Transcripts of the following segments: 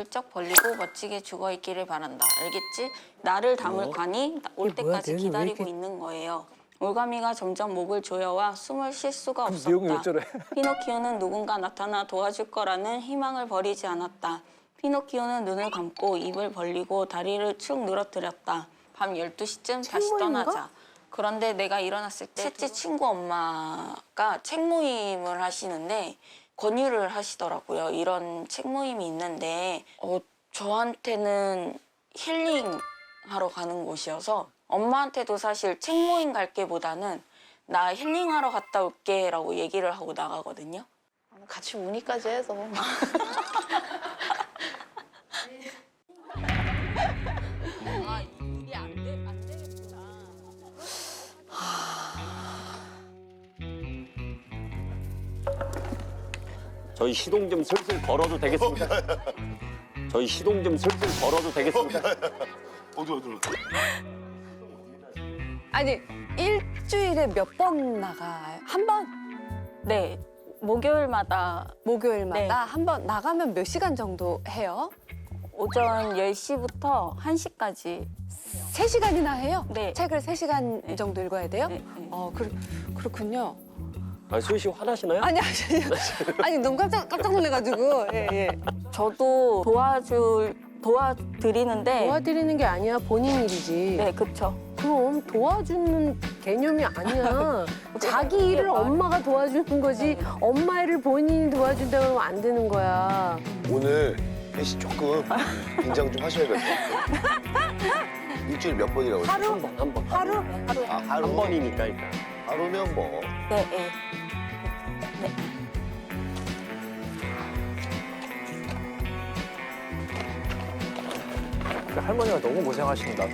쩍 벌리고 멋지게 죽어있기를 바란다. 알겠지? 나를 담을 관이 올 때까지 기다리고 있는 거예요. 올가미가 점점 목을 조여와 숨을 쉴 수가 내용이 없었다. 어쩌래? 피노키오는 누군가 나타나 도와줄 거라는 희망을 버리지 않았다. 피노키오는 눈을 감고 입을 벌리고 다리를 축 늘어뜨렸다. 밤 12시쯤 다시 떠나자. 그런데 내가 일어났을 때 셋째 친구 엄마가 책 모임을 하시는데 권유를 하시더라고요. 이런 책 모임이 있는데 저한테는 힐링하러 가는 곳이어서 엄마한테도 사실 책 모임 갈게보다는 나 힐링하러 갔다 올게 라고 얘기를 하고 나가거든요. 같이 우니까지 해서. 이게 안 되겠구나. 저희 시동 좀 슬슬 걸어도 되겠습니까? 저희 시동 좀 슬슬 걸어도 되겠습니까? 어디로? 아니 일주일에 몇 번 나가요? 한 번? 네, 목요일마다 목요일마다 네. 한 번 나가면 몇 시간 정도 해요? 오전 10시부터 1시까지 3시간이나 해요? 네. 책을 3시간 정도 읽어야 돼요? 네, 네. 그렇군요. 아, 수희 씨 화나시나요? 아니 아니 너무 깜짝 놀래가지고 예. 저도 도와드리는데 도와드리는 게 아니야, 본인 일이지. 네, 그쵸. 그럼 도와주는 개념이 아니야. 자기 일을 말- 엄마가 도와주는 거지. 엄마 일을 본인이 도와준다고 하면 안 되는 거야. 오늘 혜씨 조금 긴장 좀 하셔야 될 것 같아요. 일주일 몇 번이라고 했어요? 한 번. 하루? 아, 하루? 한 번이니까 일단. 하루면 뭐. 네, 네. 할머니가 너무 고생하신다.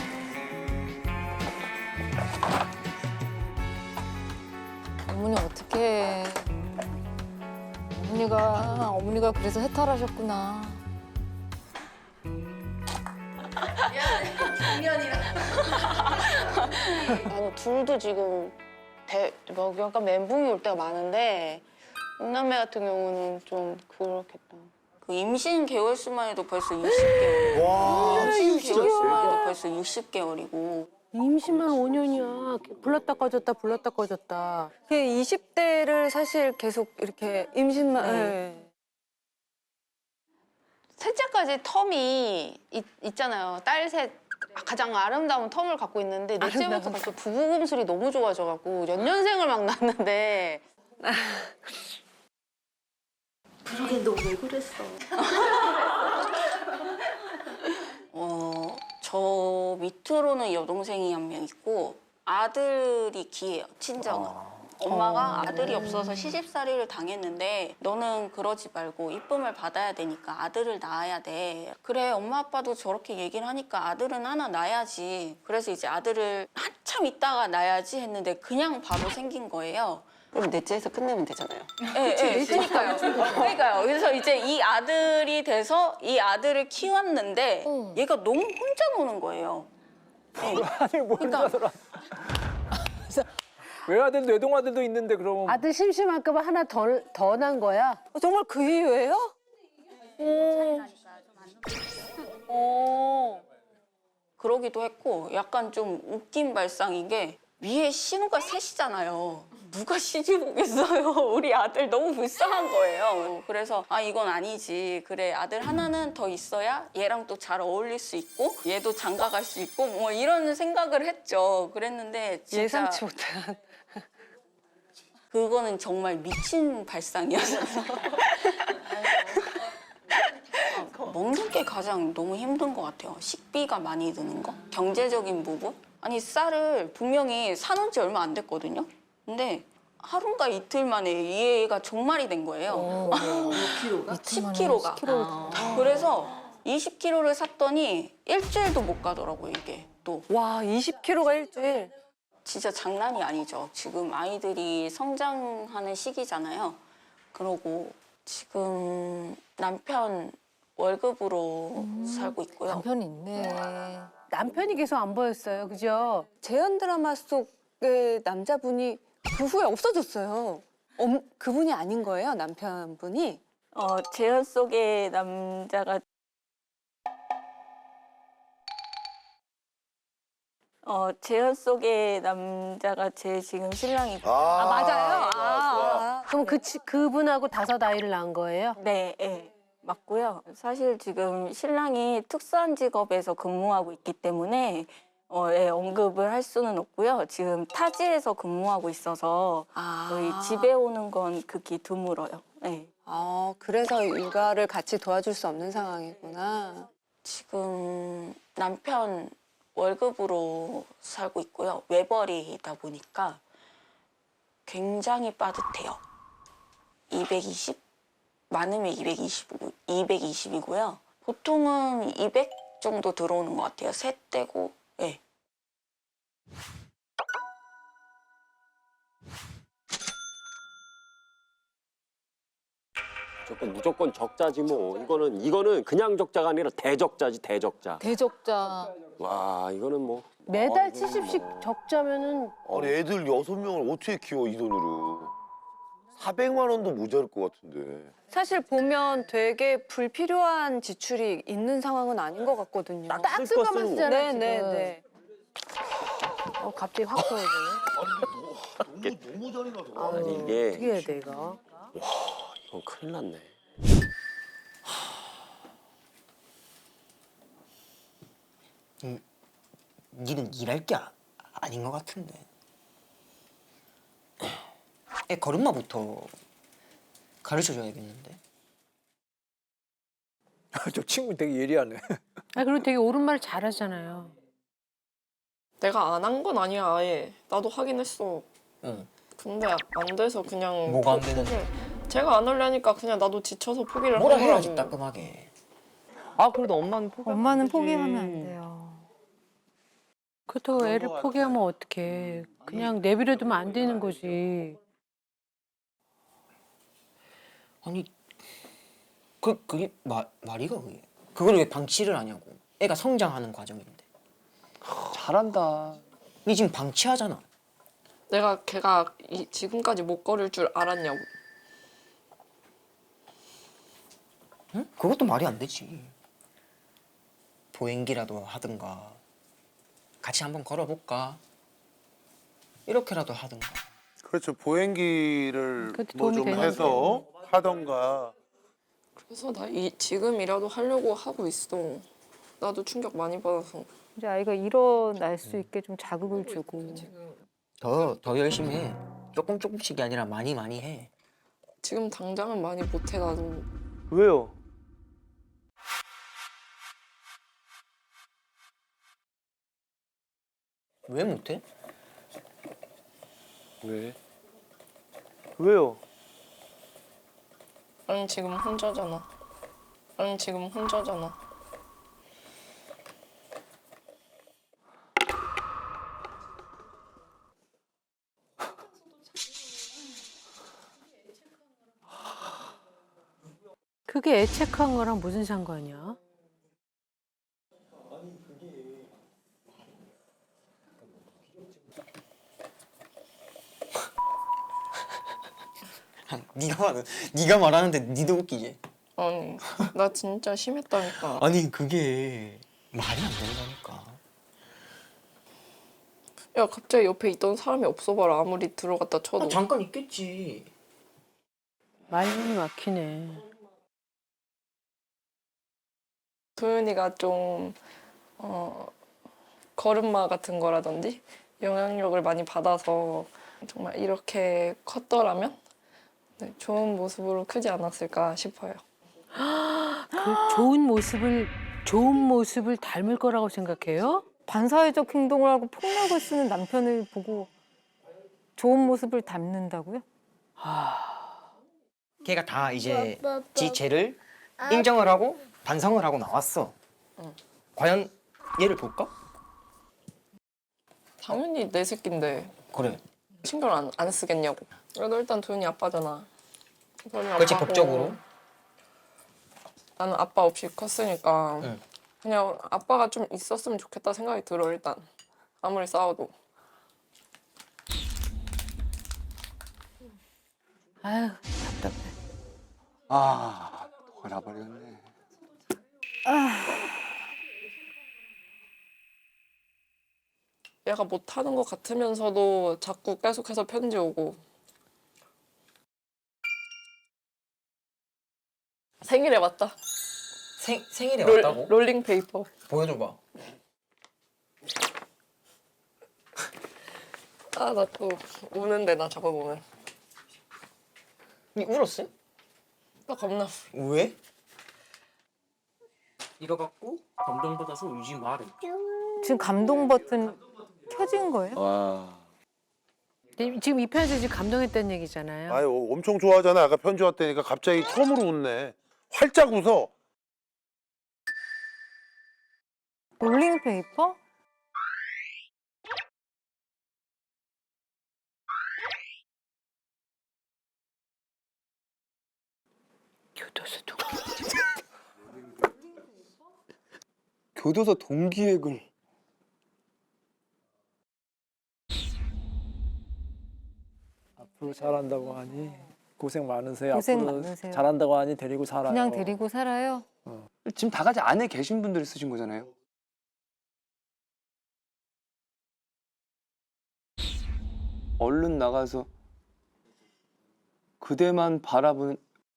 어머니 어떡해. 어머니가 그래서 해탈하셨구나. 나는 둘도 지금 약간 멘붕이 올 때가 많은데 은남매 같은 경우는 좀 그렇겠다. 그 임신 개월 수만 해도 벌써 60개월. 와, 임신 진짜. 개월 수만 해도 벌써 60개월이고. 임신만 5년이야. 불났다 꺼졌다, 불났다 꺼졌다. 20대를 사실 계속 이렇게 임신만 예. 셋째까지 텀이 있잖아요. 딸 셋 가장 아름다운 텀을 갖고 있는데 넷째부터 벌써 부부금술이 너무 좋아져갖고 연년생을 막 낳는데 그러게 너 왜 그랬어? 저 밑으로는 여동생이 한 명 있고 아들이 기예요, 친정은. 엄마가 아들이 없어서 시집살이를 당했는데 너는 그러지 말고 이쁨을 받아야 되니까 아들을 낳아야 돼. 그래, 엄마 아빠도 저렇게 얘기를 하니까 아들은 하나 낳아야지. 그래서 이제 아들을 한참 있다가 낳아야지 했는데 그냥 바로 생긴 거예요. 그럼 넷째에서 끝내면 되잖아요. 네, 그러니까요. 그러니까요. 그래서 이제 이 아들이 돼서 이 아들을 키웠는데 얘가 너무 혼자 노는 거예요. 아니 뭘 그러니까- 하더라. 외아들도 외동아들도 있는데 그럼 아들 심심할까 봐 하나 더 난 거야. 정말 그 이유예요? 그러기도 했고 약간 좀 웃긴 발상인 게 위에 신우가 셋이잖아요. 누가 시집 오겠어요. 우리 아들 너무 불쌍한 거예요. 그래서 아 이건 아니지. 그래 아들 하나는 더 있어야 얘랑 또 잘 어울릴 수 있고 얘도 장가 갈 수 있고 뭐 이런 생각을 했죠. 그랬는데 진짜 예상치 못한. 그거는 정말 미친 발상이었어요. 먹는 게 가장 너무 힘든 것 같아요. 식비가 많이 드는 거, 경제적인 부분. 아니 쌀을 분명히 사놓은 지 얼마 안 됐거든요. 근데 하루인가 이틀 만에 이 애가 종말이 된 거예요. 10kg가. 그래서 20kg를 샀더니 일주일도 못 가더라고요, 이게 또. 와 20kg가 일주일. 진짜 장난이 아니죠. 지금 아이들이 성장하는 시기잖아요. 그러고 지금 남편 월급으로 살고 있고요. 남편이 있네. 남편이 계속 안 보였어요. 그죠? 재현 드라마 속의 남자분이 그 후에 없어졌어요. 그분이 아닌 거예요, 남편분이? 재현 속의 남자가 재현 속의 남자가 제 지금 신랑이고. 맞아요. 좋아. 그럼 그분하고 5 아이를 낳은 거예요? 네, 예, 맞고요. 사실 지금 신랑이 특수한 직업에서 근무하고 있기 때문에 예, 언급을 할 수는 없고요. 지금 타지에서 근무하고 있어서 거의 집에 오는 건 극히 드물어요. 네. 그래서 육아를 같이 도와줄 수 없는 상황이구나. 지금 남편 월급으로 살고 있고요. 외벌이다 보니까 굉장히 빠듯해요. 220? 많으면 220이고요. 보통은 200 정도 들어오는 것 같아요. 셋 떼고. 예. 무조건 적자지 뭐. 이거는 그냥 적자가 아니라 대적자지, 대적자. 대적자. 와, 이거는 뭐. 매달 70씩 적자면은 아니 애들 6명을 어떻게 키워 이 돈으로. 400만 원도 모자랄 것 같은데. 사실 보면 되게 불필요한 지출이 있는 상황은 아닌 것 같거든요. 딱 쓸것만 쓰잖아요, 네네네. 갑자기 확 떨어지네. 너무 잔인하다. 아니, 이게 어떻게 해야 돼, 이거? 이건 큰일 났네. 니는 일할 게 아닌 것 같은데. 애 걸음마부터 가르쳐줘야겠는데. 저 친구 되게 예리하네. 그리고 되게 옳은 말 잘하잖아요. 내가 안 한 건 아니야 아예. 나도 하긴 했어. 응. 근데 안 돼서 그냥 뭐가 안 되는데? 제가 안 하려니까 그냥 나도 지쳐서 포기를 뭐라 하더라고. 해야지 따끔하게. 그래도 엄마는 포기하면 안 돼요. 그렇다고 애를 포기하면 어떡해. 그냥 내버려두면 안 되는 거지. 아니 그게 말이가 그게. 그걸 왜 방치를 하냐고. 애가 성장하는 과정인데. 잘한다. 니 지금 방치하잖아. 내가 걔가 지금까지 못 걸을 줄 알았냐고. 응? 그것도 말이 안 되지. 보행기라도 하든가 같이 한번 걸어볼까? 이렇게라도 하든가. 그렇죠. 보행기를 그것도 뭐 도움이 좀 되는 해서 하던가. 그래서 나 지금이라도 하려고 하고 있어. 나도 충격 많이 받아서. 이제 아이가 일어날 수 있게 좀 자극을 주고. 더 열심히 해. 조금씩이 아니라 많이 해. 지금 당장은 많이 못해 나도. 왜요? 왜 못해? 왜? 왜요? 난 지금 혼자잖아. 그게 애착한 거랑 무슨 상관이야? 네가 말하는데 니도 웃기지? 아니 나 진짜 심했다니까. 아니 그게 말이 안 된다니까. 야 갑자기 옆에 있던 사람이 없어봐라. 아무리 들어갔다 쳐도. 잠깐 있겠지. 말문이 막히네. 도윤이가 좀 걸음마 같은 거라든지 영향력을 많이 받아서 정말 이렇게 컸더라면 네, 좋은 모습으로 크지 않았을까 싶어요. 그 좋은 모습을 닮을 거라고 생각해요? 반사회적 행동을 하고 폭력을 쓰는 남편을 보고 좋은 모습을 닮는다고요? 걔가 다 이제 지 죄를 인정을 하고 반성을 하고 나왔어. 과연 얘를 볼까? 당연히 내 새끼인데 그래. 신경 안 쓰겠냐고. 그래도 일단 도윤이 아빠잖아. 도윤이 그렇지 아빠고 법적으로. 나는 아빠 없이 컸으니까 응. 그냥 아빠가 좀 있었으면 좋겠다 생각이 들어 일단. 아무리 싸워도. 아유, 답답해. 화가 나버렸네. 얘가 못하는 것 같으면서도 자꾸 계속해서 편지 오고. 생일에 왔다. 생일에 왔다고? 롤링 페이퍼. 보여줘봐. 아, 나 또 우는데, 나 저거 보면. 니 울었어? 나 겁나. 왜? 이거 갖고 감동받아서 울지 마래. 지금 감동 버튼 켜진 거예요? 와. 지금 이 편에서 지금 감동했다는 얘기잖아요. 아유 엄청 좋아하잖아. 아까 편지 왔다니까 갑자기 처음으로 웃네. 활짝 웃어. 롤링페이퍼? 교도소 동 교도소 동기획을. 앞으로 잘한다고 하니 고생 많으세요. 고생 앞으로 많으세요. 잘한다고 하니 데리고 살아요. 그냥 데리고 살아요? 지금 다 같이 안에 계신 분들이 쓰신 거잖아요. 얼른 나가서 그대만 바라보는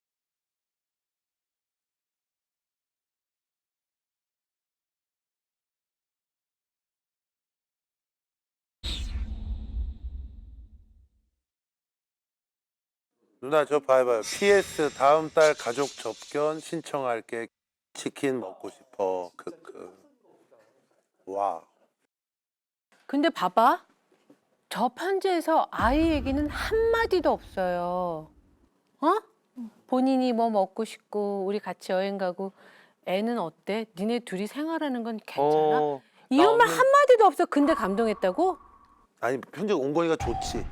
누나 저 봐봐요. PS 다음 달 가족 접견 신청할게. 치킨 먹고 싶어. 크크. 와. 근데 봐봐. 저 편지에서 아이 얘기는 한마디도 없어요. 어? 본인이 뭐 먹고 싶고 우리 같이 여행 가고 애는 어때? 니네 둘이 생활하는 건 괜찮아? 이런 말 한마디도 없어. 근데 감동했다고? 아니 편지 온 거니까 좋지.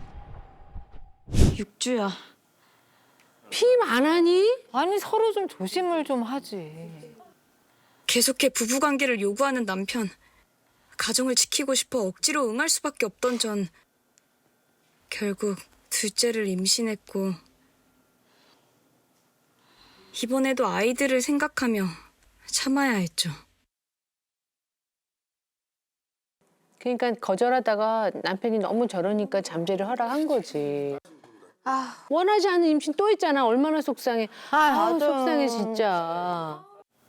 육주야. 피임 안 하니? 아니 서로 좀 조심을 좀 하지. 계속해 부부관계를 요구하는 남편. 가정을 지키고 싶어 억지로 응할 수밖에 없던 전 결국 둘째를 임신했고 이번에도 아이들을 생각하며 참아야 했죠. 그러니까 거절하다가 남편이 너무 저러니까 잠재를 허락한 거지. 원하지 않는 임신 또 있잖아. 얼마나 속상해. 아우, 속상해 진짜.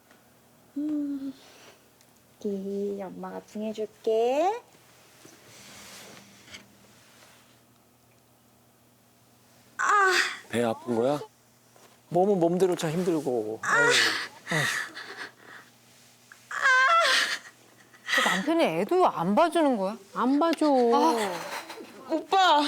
엄마가 붕해줄게. 배 아픈 거야? 몸은 몸대로 참 힘들고. 그 남편이 애도 안 봐주는 거야? 안 봐줘. 오빠!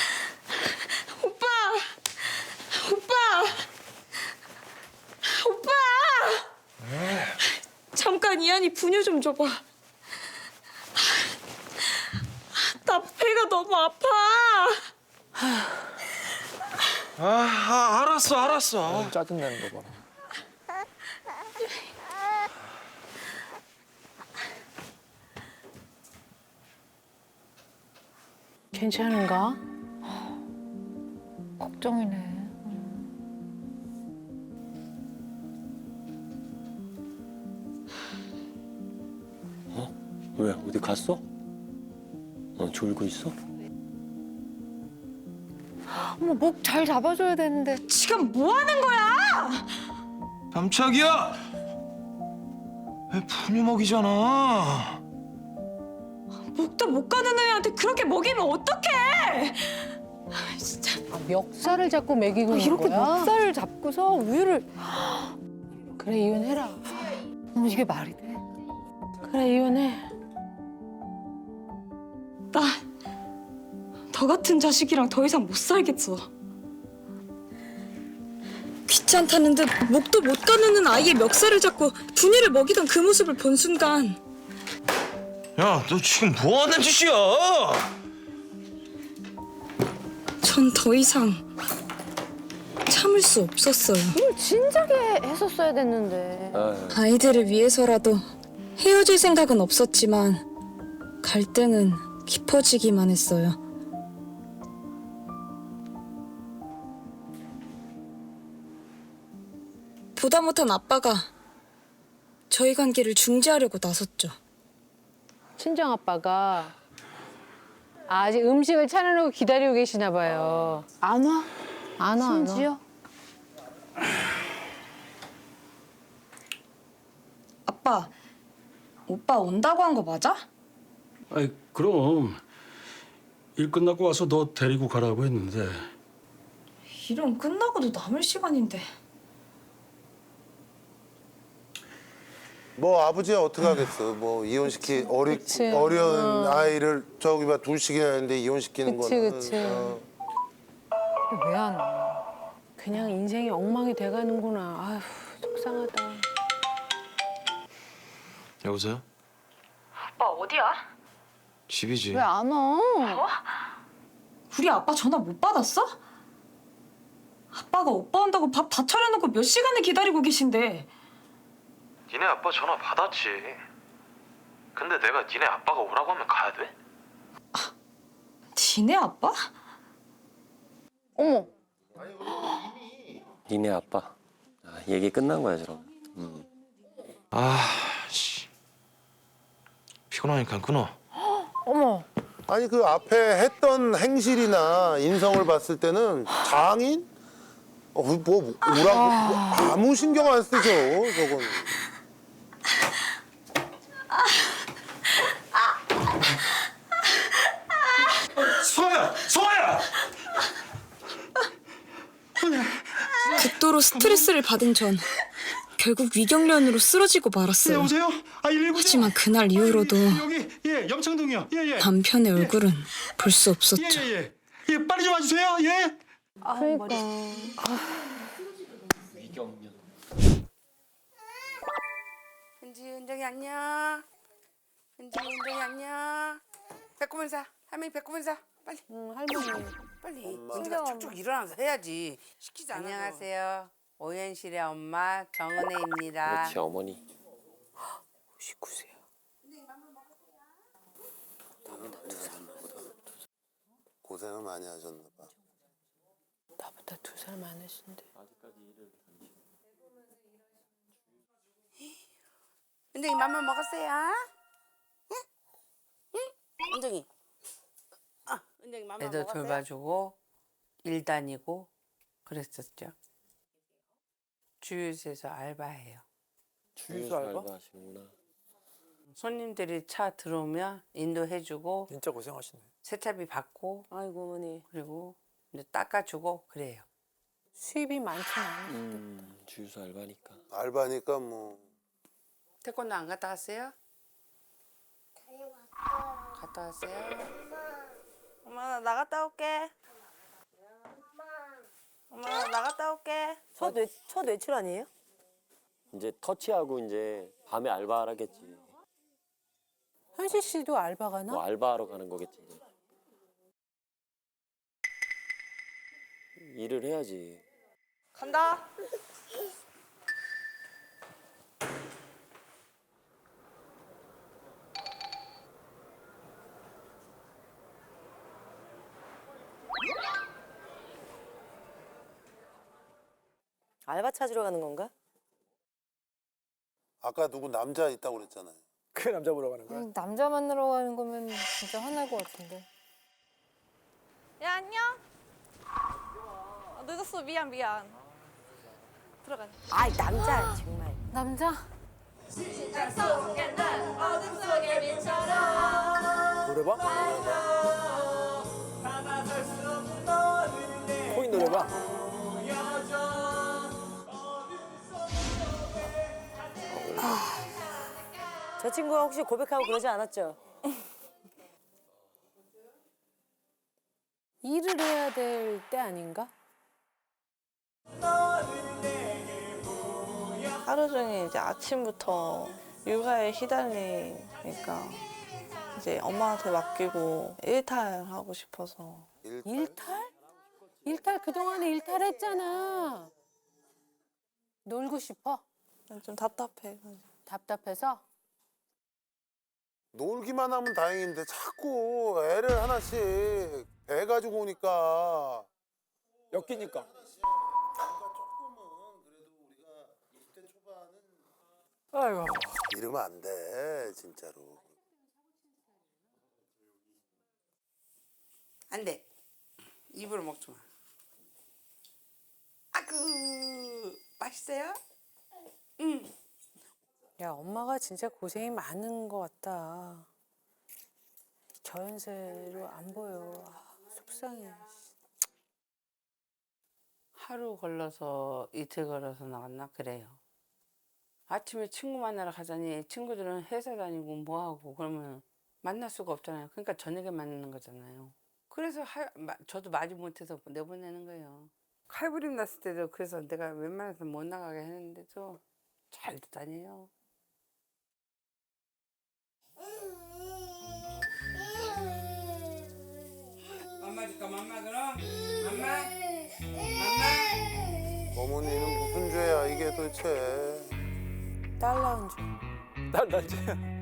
잠깐 이한이 분유 좀 줘봐. 나 배가 너무 아파. 알았어. 짜증나는 거 봐. 괜찮은가? 걱정이네. 왜 어디 갔어? 졸고 있어? 어머 목 잘 잡아줘야 되는데. 지금 뭐 하는 거야? 깜짝이야! 왜 분유 먹이잖아. 목도 못 가는 애한테 그렇게 먹이면 어떡해? 진짜. 멱살을 잡고 먹이고 있는 이렇게 거야? 멱살을 잡고서 우유를. 그래 이혼해라. 어머 이게 말이 돼? 그래 이혼해. 나 너 같은 자식이랑 더 이상 못 살겠어. 귀찮다는 듯 목도 못 가누는 아이의 멱살을 잡고 분유를 먹이던 그 모습을 본 순간 야, 너 지금 뭐 하는 짓이야? 전 더 이상 참을 수 없었어요. 이걸 진작에 했었어야 됐는데. 아이들을 위해서라도 헤어질 생각은 없었지만 갈등은 깊어지기만 했어요. 보다 못한 아빠가 저희 관계를 중지하려고 나섰죠. 친정 아빠가 아직 음식을 차려놓고 기다리고 계시나 봐요. 안 와? 안 와, 심지어? 아빠, 오빠 온다고 한 거 맞아? 아이 그럼 일 끝나고 와서 너 데리고 가라고 했는데 일은 끝나고도 남을 시간인데. 뭐 아버지야 어떻게 하겠어. 뭐 이혼시키 어려운 아이를 저기 막 둘씩이나 했는데 이혼시키는 거는. 그치. 왜 안 와? 그냥 인생이 엉망이 돼가는구나. 아휴, 속상하다. 여보세요? 오빠 어디야? 집이지. 왜 안 와? 우리 아빠 전화 못 받았어? 아빠가 오빠 온다고 밥 다 차려놓고 몇 시간을 기다리고 계신데. 니네 아빠 전화 받았지. 근데 내가 니네 아빠가 오라고 하면 가야 돼? 니네 아빠? 어머. 니네 아빠. 얘기 끝난 거야, 저럼. 씨. 피곤하니까 끊어. 어머. 아니 그 앞에 했던 행실이나 인성을 봤을 때는 장인? 뭐 오라고 아무 신경 안 쓰죠, 저건. 소아야! 극도로 스트레스를 받은 전 결국 위경련으로 쓰러지고 말았어요. 여보세요? 119죠? 하지만 그날 이후로도 여기 염창동이요. 예. 남편의 얼굴은 볼 수 없었죠. 예. 빨리 좀 와주세요. 예. 그러니까. 은정이 안녕. 은정이 안녕. 배꼽 인사. 할머니 배꼽 인사. 빨리. 할머니. 빨리. 은지가 쭉쭉 일어나서 해야지. 시키지 않아. 안녕하세요. 오현실의 엄마 정은혜입니다. 그렇지, 어머니. 59세요. 고생을 많이 하셨나 봐. 나보다 2살 많으신데. 은정이 맘마 먹었어요? 응? 응? 은정이. 은정이 맘마 먹었어요? 애들 돌봐주고 일 다니고 그랬었죠. 주유소에서 알바해요. 주유소 알바? 하시는구나. 손님들이 차 들어오면 인도해주고 진짜 고생하시네. 세차비 받고 아이고 어머니. 그리고 이제 닦아주고 그래요. 수입이 많진 않으신데. 주유소 알바니까. 알바니까 뭐. 태권도 안 갔다 왔어요? 갔다 왔어요? 엄마 나 나갔다 올게. 엄마 나 나갔다 올게. 첫 외출 아니에요? 이제 터치하고 이제 밤에 알바하겠지. 현실 씨도 알바 가나? 뭐 알바하러 가는 거겠지. 이제. 일을 해야지. 간다. 알바 찾으러 가는 건가? 아까 누구 남자 있다고 그랬잖아요. 그 남자 보러 가는 거야? 남자 만나러 가는 거면 진짜 화날 것 같은데. 야 안녕. 늦었어 미안. 들어가. 아이 남자 정말. 남자? 노래방? 코인 노래방? 저 친구가 혹시 고백하고 그러지 않았죠? 일을 해야 될 때 아닌가? 하루 종일 이제 아침부터 육아에 휘달리니까 이제 엄마한테 맡기고 일탈하고 싶어서. 일탈? 일탈 그동안에 일탈했잖아. 놀고 싶어? 좀 답답해. 답답해서? 놀기만 하면 다행인데 자꾸 애를 하나씩 배 가지고 오니까. 엮이니까. 아이고. 이러면 안 돼, 진짜로. 안 돼. 입으로 먹지 마. 아구 맛있어요? 응. 야, 엄마가 진짜 고생이 많은 것 같다. 저연세로 안 보여. 아, 속상해. 하루 걸러서 이틀 걸어서 나갔나 그래요. 아침에 친구 만나러 가자니 친구들은 회사 다니고 뭐하고 그러면 만날 수가 없잖아요. 그러니까 저녁에 만나는 거잖아요. 그래서 저도 말이 못해서 내보내는 거예요. 칼부림 났을 때도 그래서 내가 웬만해서 못 나가게 했는데도 잘 다녀요. 맘마 줄까 맘마 그럼? 맘마? 맘마? 어머니는 무슨 죄야 이게 도대체. 딸 낳은 줄. 난 죄야.